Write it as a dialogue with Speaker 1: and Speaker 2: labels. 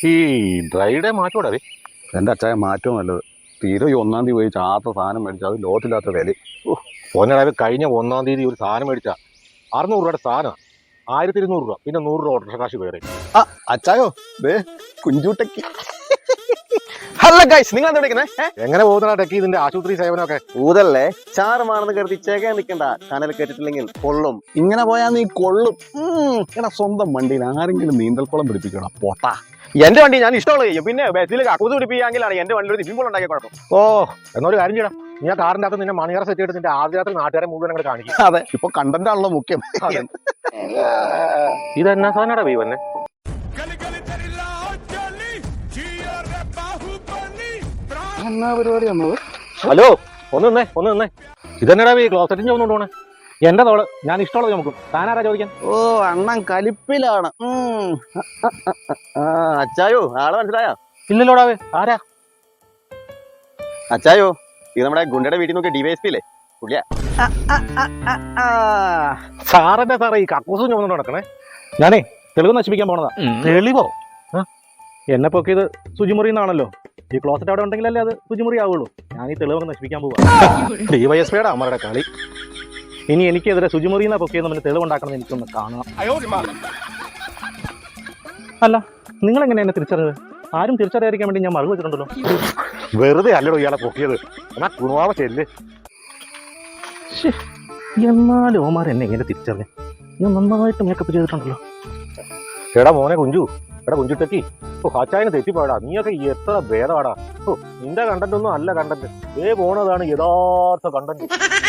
Speaker 1: ഈ ഡ്രൈഡേ മാറ്റോടെ
Speaker 2: എൻ്റെ അച്ചായ മാറ്റവും നല്ലത്. തീരെ ഈ 1-ാം തീയതി പോയി ചാത്ത സാധനം മേടിച്ചാൽ അത് ലോകത്തില്ലാത്ത വില.
Speaker 1: ഒന്നടാവ് കഴിഞ്ഞ 1-ാം തീയതി ഒരു സാധനം മേടിച്ചാൽ 600 രൂപയുടെ സാധനം 1200 രൂപ, പിന്നെ 100 രൂപ ഓട്ടോ കാശ് വേറെ.
Speaker 2: അച്ചായോ ദേ കുഞ്ചൂട്ടയ്ക്ക്.
Speaker 3: ഹലോ ഗൈസ്, നിങ്ങൾ എന്താ വിളിക്കുന്നത്?
Speaker 1: എങ്ങനെ പോകുന്ന ടെക്കി ഇതിന്റെ ആശുപത്രി സേവനമൊക്കെ?
Speaker 3: ഊതല്ലേ, ചാറുമാണെന്ന് കരുതി ചേക്കാൻ നിൽക്കണ്ട. കനൽ കേട്ടിട്ടില്ലെങ്കിൽ കൊള്ളും.
Speaker 2: ഇങ്ങനെ പോയാൽ നീ കൊള്ളും. എടാ സ്വന്തം വണ്ടിയിൽ ആരെങ്കിലും നീന്തൽക്കുളം പിടിപ്പിക്കണം പോട്ടാ.
Speaker 3: എന്റെ വണ്ടി ഞാൻ ഇഷ്ടമുള്ള ചെയ്യും. പിന്നെ ബസ്സിൽ കക്കൂസ് പിടിപ്പിക്കാമെങ്കിലാണ് എന്റെ വണ്ടി ഒരു സ്വിമ്മിംഗ് പൂൾ ഉണ്ടാക്കിയ കുഴപ്പം.
Speaker 1: ഓ, എന്നൊരു കാര്യം ചെയ്യണം, നീ ആ കാറിന്റെ അകത്ത് നിന്നെ മണിയറ സെറ്റ് ചെയ്തിട്ട് നിന്റെ ആദ്യ രാത്രി നാട്ടുകാരെ മുഴുവൻ അങ്ങോട്ട് കാണിക്കും.
Speaker 2: അതെ, ഇപ്പൊ കണ്ടന്റ് ആണല്ലോ മുഖ്യം.
Speaker 1: ഇതെന്നാ സാധനടാ ബൈ വന്നെ?
Speaker 2: എന്നാ പരിപാടി വന്നത്?
Speaker 1: ഹലോ, ഒന്ന് നിന്നേ. ഇതെന്നടാ ബൈ ക്ലോസറ്റിന് ചോദിച്ചോണ്ട് പോണേ? എന്റെ തോള് ഞാൻ ഇഷ്ടമുള്ളത് നമുക്ക്. താനാരാ ചോദിക്കാൻ?
Speaker 2: ഓ, അണ്ണൻ കലിപ്പിലാണ്.
Speaker 3: അച്ചായോ, ആളെ മനസ്സിലായോ?
Speaker 1: ഇല്ലല്ലോടാവേ, ആരാ?
Speaker 3: അച്ചായോ, ഇത് നമ്മുടെ ഗുണ്ടയുടെ വീട്ടിൽ നോക്കിയ ഡിവൈഎസ്പി ഇല്ലേ, പുള്ളിയാ.
Speaker 1: സാറെന്നെ സാറേ ഈ കക്കൂസും ചുമന്നുകൊണ്ട് നടക്കണേ? ഞാനേ തെളിവ് നശിപ്പിക്കാൻ പോണതാ. തെളിവോ? എന്നെ പൊക്കിയത് ശുചിമുറി എന്നാണല്ലോ. ഈ ക്ലോസറ്റ് അവിടെ ഉണ്ടെങ്കിലല്ലേ അത് ശുചിമുറി ആവുള്ളൂ. ഞാൻ ഈ തെളിവൊക്കെ നശിപ്പിക്കാൻ പോവാ. ഡിവൈഎസ്പിയുടെ അമ്മയുടെ കളി. ഇനി എനിക്കെതിരെ ശുചിമുറിന്നാ പൊക്കിയെന്ന് പിന്നെ തെളിവുണ്ടാക്കണം എനിക്കൊന്ന് കാണണം. അല്ല, നിങ്ങളെങ്ങനെ എന്നെ തിരിച്ചറിയത്? ആരും തിരിച്ചറിയാതിരിക്കാൻ വേണ്ടി ഞാൻ മറു വെച്ചിട്ടുണ്ടല്ലോ. വെറുതെ അല്ലടോ ഇയാളെ പൊക്കിയത്. എന്നാ കുണുവാവ ചെല്ല്. എന്നാലും ഓമാർ എന്നെ എങ്ങനെ തിരിച്ചറിഞ്ഞു? ഞാൻ നന്നായിട്ട് മേക്കപ്പ് ചെയ്തിട്ടുണ്ടല്ലോ. എടാ മോനെ കുഞ്ചു, എടാ കുഞ്ചുട്ടക്കി, ഹാച്ചായനെ തെറ്റിപ്പോടാ. നീയൊക്കെ എത്ര ഭേദമാടാ. നിന്റെ കണ്ടന്റ് ഒന്നും അല്ല കണ്ടന്റ്. പോണതാണ് യഥാർത്ഥ കണ്ടന്റ്.